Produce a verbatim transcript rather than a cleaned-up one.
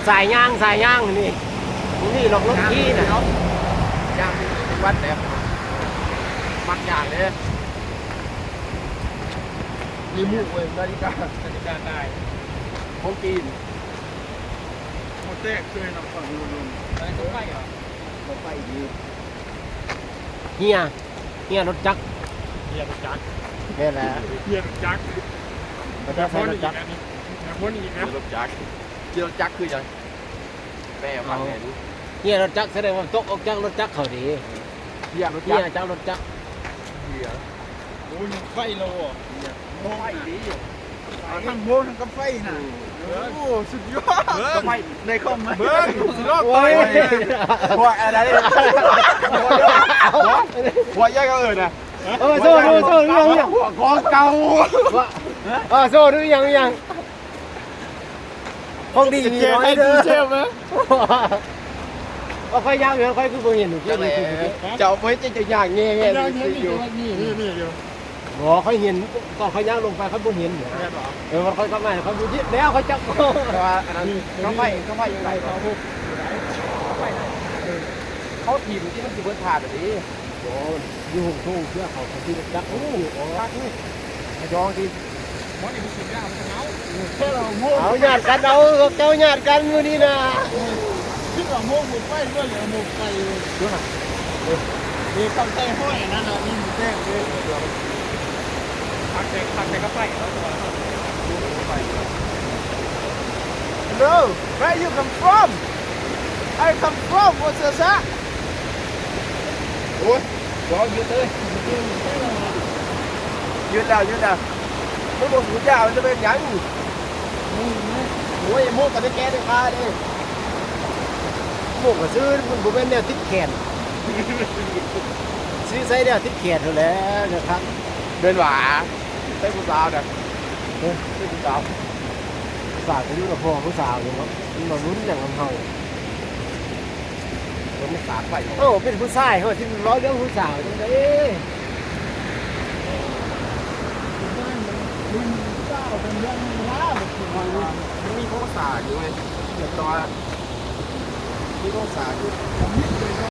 สายย่างสายย่างนี่นี่หลอกรถขี้น่ะย่างเป็นวัดแล้วมักอย่างเลยมีหมูเว้ยนาฬิกานาฬิกาได้ของกินโมเต้เคยนำฝั่งลุนลุนอะไรก็ไปเหรอรถไฟดีเฮียเฮียรถจักรเฮียรถจักรแค่แหละเฮียรถจักรรถจักรใส่รถจักรอย่าพ้นอีกนะรถจักรที่รถจักรคือยังแม่ฟังแม่รู้เฮียรถจักรแสดงว่าตกออกจากรถจักรเขาดีเฮียรถเฮีจัยกรจากรถจักรเฮียโอ้ยไฟโลอ่ะโมไฟดีทั้งโบทั้งกาแฟน่ะโอ้สุดยอดทำไมในคอมเบิ้งสุดยอดโอ้ยหัวอะไรหัวยักษ์ก็เอิญนะเออโซ่ดูโซ่ดูยังยังหัวของเก่าเออโซ่ดูยังยังห้องดีมีน้อยเด้อเจ็บไหมว่าค่อยย่างอยู่ค่อยคือบ่เห็นหนูจะที่เลนี่ยจะเอาไว้จะจะย่างเงี้ยเงี้ยนี่นี่อยู่นี่นี่นี่อยู่บ่ค่อยเห็นตอนค่อยย่างลงไปเขาบ่เห็นแม่บอกเออมันค่อยเข้ามาเขาดูที่แล้วเขาจับแต่ว่าอันนั้นเขาไม่เขาไม่ยังไงเขาพูดเขาทีมที่มันคือเบิร์ดขาดแบบนี้โอ้อยู่หงทุ่งเชื่อเขาเขาที่จักโอ้โหพักนี่ยองทีมอนี่มันสุดยอดมันเงาแค่เราโม่เอาหยาดกันเอาเจ้าหยาดกันอยู่นี่นะที่เราโม่หมดไฟด้วยเหรอหมดไฟเลยนี่ตั้งใจห้อยนั่นน่ะนี่มันแจ้งเลยพักใจพักใจก็ไฟแล้วตัวแล้ว Hello where you come from I come from what's this at โอ้ยยองยืดเลยยืดแล้วยืดแล้วไม่บอกสูงยาวจะเป็นยังโอ้ยโม่กันได้แก่ได้คาดิหมวกก็ซื้อมันบ่เป็นแนวติดแขนซื้อใส่แนวติดแขนเท่าแล้วนะครับเดินหวาใส่ผู้สาวเด็กใส่ผู้สาวฝากไปอยู่กับพ่อผู้สาวอยู่เนาะมันมาลุ้นอย่างกับเฮามันไม่สาดไปเอ้าเป็นผู้ชายเฮาที่ร้อยเรื่องผู้สาวจังได๋มันมีข้อสาอยู่ไงเดี๋ยวตอนมีข้อสาอยู่